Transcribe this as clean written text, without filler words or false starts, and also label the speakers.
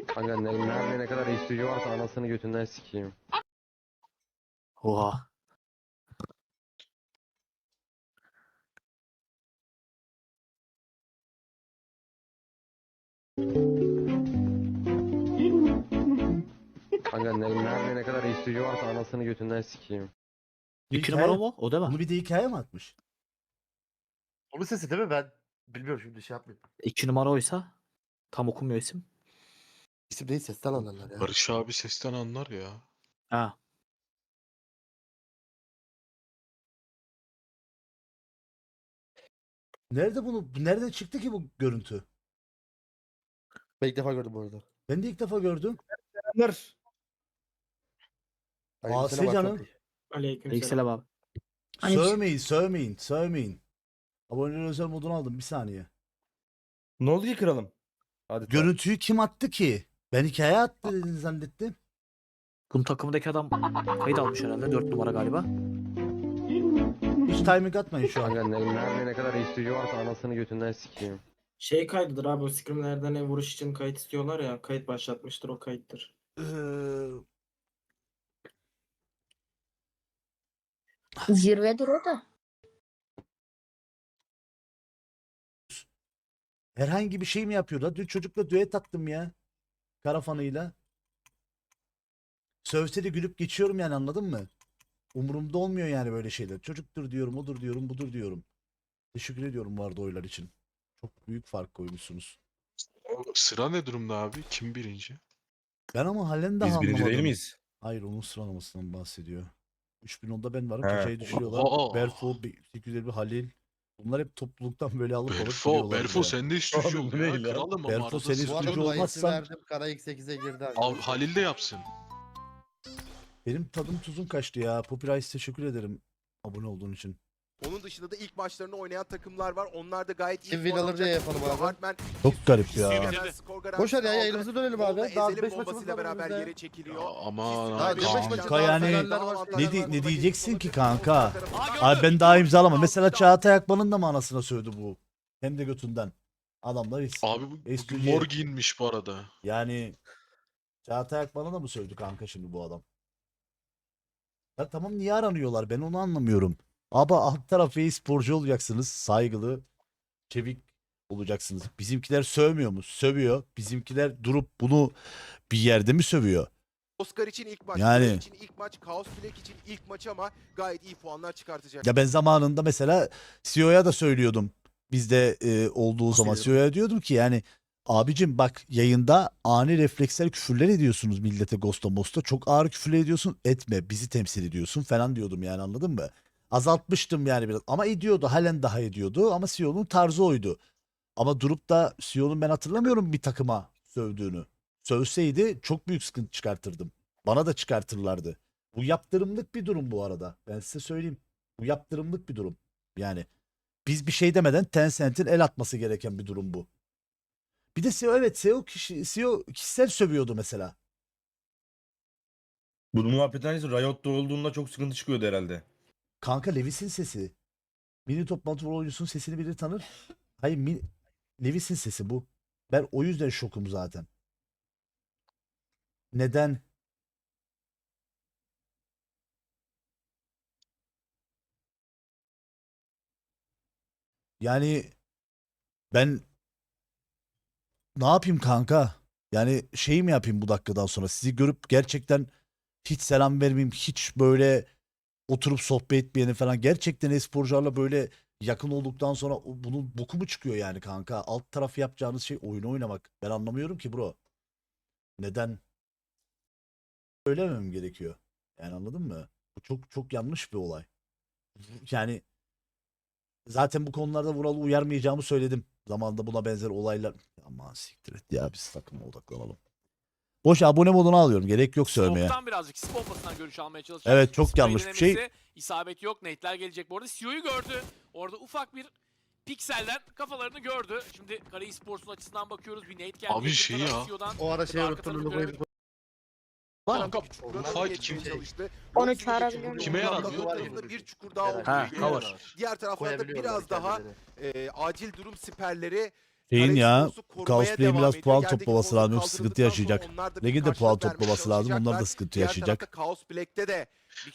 Speaker 1: Kanka nerede ne kadar istiyor varsa anasını götünden sikeyim.
Speaker 2: Oha.
Speaker 1: Kanka nerede ne kadar istiyor varsa anasını götünden sikeyim.
Speaker 2: İki numara mı? O değil mi?
Speaker 3: Bunu bir de hikaye mi atmış?
Speaker 4: Onun sesi değil mi? Ben bilmiyorum şimdi şey yapmayayım.
Speaker 2: 2 numara oysa tam okunmuyor isim.
Speaker 4: İsim değil sesten anlarlar ya.
Speaker 5: Barış abi sesten anlar ya.
Speaker 2: Ha.
Speaker 3: Nereden çıktı ki bu görüntü?
Speaker 4: Ben ilk defa gördüm bu arada.
Speaker 3: Ben de ilk defa gördüm.
Speaker 6: Selamlar.
Speaker 3: Asi canım.
Speaker 2: Aleykümselam abi.
Speaker 3: Sövmeyin. Aboneler özel modunu aldım bir saniye.
Speaker 6: Ne oldu ki kralım? Hadi
Speaker 3: Görüntüyü kim attı ki? Ben hikaye attı dedin zannettim.
Speaker 2: Bunun takımındaki adam kayıt almış herhalde. 4 numara galiba.
Speaker 3: Hiç timing atmayın şu an.
Speaker 1: Kanka nerede ne kadar istiyor varsa anasını götünden sikeyim.
Speaker 7: Şey kaydıdır abi, o scrimlerden vuruş için kayıt istiyorlar ya, kayıt başlatmıştır, o kayıttır.
Speaker 8: Zirvedir o da.
Speaker 3: Herhangi bir şey mi yapıyor da? Dün çocukla düet attım ya. Karafanıyla. Sövse de gülüp geçiyorum yani, anladın mı? Umurumda olmuyor yani böyle şeyler. Çocuktur diyorum, odur diyorum, budur diyorum. Teşekkür ediyorum vardı oylar için. Çok büyük fark koymuşsunuz.
Speaker 5: Sıra ne durumda abi? Kim birinci?
Speaker 3: Ben ama halen daha
Speaker 6: Biz birinci
Speaker 3: anlamadım.
Speaker 6: değil miyiz?
Speaker 3: Hayır, onun sıralamasından bahsediyor. 3010'da ben varım.
Speaker 6: He.
Speaker 3: Kaçayı düşürüyorlar.
Speaker 5: Oha!
Speaker 3: Berfo, 850 Halil. Bunlar hep topluluktan böyle alıp
Speaker 5: Berfo
Speaker 3: buraya.
Speaker 5: sen de istiyor
Speaker 6: Abi bu
Speaker 5: ya.
Speaker 6: ne lan?
Speaker 5: Kralım ama
Speaker 3: Berfo
Speaker 5: arada
Speaker 3: seni
Speaker 5: sıkıntı
Speaker 4: Bu
Speaker 3: Sıkıcı
Speaker 4: arada
Speaker 5: yok.
Speaker 4: bahisi
Speaker 3: olmazsan-
Speaker 4: verdim. Kara X8'e girdi.
Speaker 5: Abi Halil de yapsın.
Speaker 3: Benim tadım tuzum kaçtı ya. Popirice teşekkür ederim abone olduğun için.
Speaker 9: Onun dışında da ilk maçlarını oynayan takımlar var. Onlar da gayet iyi
Speaker 4: Kim
Speaker 9: puan
Speaker 4: win alır diye
Speaker 9: alacak.
Speaker 4: yapalım abi.
Speaker 9: Hartman
Speaker 3: Çok garip ya.
Speaker 4: Boş ver ya, yayınımıza dönelim abi.
Speaker 9: Daha
Speaker 4: Daha
Speaker 9: 5
Speaker 4: 5 maçımız
Speaker 9: bombasıyla
Speaker 4: var
Speaker 9: beraber
Speaker 4: önümüzde.
Speaker 9: yere çekiliyor.
Speaker 5: Aman
Speaker 4: Daha
Speaker 5: abi.
Speaker 4: beş
Speaker 3: Kanka
Speaker 4: maçımız
Speaker 3: yani
Speaker 4: var, finaller var.
Speaker 3: ne diyeceksin ki kanka? Abi ben daha imzalama. Mesela Çağatay Akman'ın da mı anasına sövdü bu? Hem de götünden. Adamlar hiç.
Speaker 5: Abi bugün
Speaker 3: Estudiye.
Speaker 5: mor giyinmiş bu arada.
Speaker 3: Yani Çağatay Akman'a da mı sövdü kanka şimdi bu adam? Ya tamam, niye aranıyorlar? Ben onu anlamıyorum. Abi alt tarafı e-sporcu olacaksınız. Saygılı, çevik olacaksınız. Bizimkiler sövmüyor mu? Sövüyor. Bizimkiler durup bunu bir yerde mi sövüyor?
Speaker 9: Oscar için ilk maç,
Speaker 3: Yani.
Speaker 9: Black için ilk maç, Chaos Black için ilk maç ama gayet iyi puanlar çıkartacak.
Speaker 3: Ya ben zamanında mesela CEO'ya da söylüyordum. Bizde olduğu zaman CEO'ya diyordum ki yani abicim bak, yayında ani refleksler küfürler ediyorsunuz millete, Ghost'a Most'a. Çok ağır küfürler ediyorsun, etme, bizi temsil ediyorsun falan diyordum yani, anladın mı? Azaltmıştım yani biraz ama ediyordu, halen daha ediyordu ama CEO'nun tarzı oydu. Ama durup da CEO'nun ben hatırlamıyorum bir takıma sövdüğünü. Sövseydi çok büyük sıkıntı çıkartırdım. Bana da çıkartırlardı. Bu yaptırımlık bir durum bu arada. Ben size söyleyeyim. Bu yaptırımlık bir durum. Yani biz bir şey demeden Tencent'in el atması gereken bir durum bu. Bir de CEO, evet, CEO kişisel sövüyordu mesela.
Speaker 6: Bu muhabbetten sonra Riot'ta olduğunda çok sıkıntı çıkıyordu herhalde.
Speaker 3: Kanka Levis'in sesi. Mini toplantı oyuncusunun sesini biri tanır. Hayır, Levis'in sesi bu. Ben o yüzden şokum zaten. Neden? Yani ben ne yapayım kanka? Yani şey mi yapayım bu dakikadan sonra? Sizi görüp gerçekten hiç selam vermeyeyim, hiç böyle oturup sohbet etmeyeni falan. Gerçekten esporcularla böyle yakın olduktan sonra bunun boku mu çıkıyor yani kanka? Alt tarafı yapacağınız şey oyun oynamak. Ben anlamıyorum ki bro. Neden? Söylemem gerekiyor. Yani anladın mı? Bu çok çok yanlış bir olay. Yani zaten bu konularda Vural'ı uyarmayacağımı söyledim. Zamanında buna benzer olaylar. Aman siktir et ya, biz takıma odaklanalım. Boş abone modunu alıyorum. Gerek yok sövmeye.
Speaker 10: Smoke'tan birazcık sis bombasından görüş almaya çalışacak.
Speaker 3: Evet, çok
Speaker 10: Sprey
Speaker 3: yanlış bir şey.
Speaker 10: denemesi, İsabet yok. Nate'ler gelecek bu arada. CEO'yu gördü. Orada ufak bir pikselden kafalarını gördü. Şimdi Kara Esports'un açısından bakıyoruz. Bir Nate geldi.
Speaker 5: Abi şey ya.
Speaker 4: O ara şey unuttum. Logoyu
Speaker 5: Kanka bu fight kim?
Speaker 8: Onu çağırabilir miyim?
Speaker 5: Kime yarar diyor?
Speaker 9: Tarafında bir çukur daha
Speaker 4: Evet.
Speaker 9: olduğu
Speaker 2: Ha,
Speaker 9: gibi.
Speaker 2: cover.
Speaker 9: Diğer taraflarda
Speaker 4: koyabiliyorlar
Speaker 9: biraz daha
Speaker 4: kendileri.
Speaker 9: acil durum siperleri
Speaker 3: Şeyin
Speaker 9: Kara
Speaker 3: ya,
Speaker 9: Esports'u korumaya
Speaker 3: Chaos Play
Speaker 9: devam
Speaker 3: biraz
Speaker 9: ediyor.
Speaker 3: puan
Speaker 9: Yerdeki
Speaker 3: toplaması lazım,
Speaker 9: formu
Speaker 3: yoksa sıkıntı
Speaker 9: kaldırıldıktan sonra
Speaker 3: yaşayacak.
Speaker 9: onlar da bir
Speaker 3: Legend de puan
Speaker 9: karşılık vermeye
Speaker 3: toplaması lazım, onlar da
Speaker 9: çalışacaklar.
Speaker 3: sıkıntı
Speaker 9: Diğer
Speaker 3: yaşayacak.
Speaker 9: tarafta Chaos Black'te de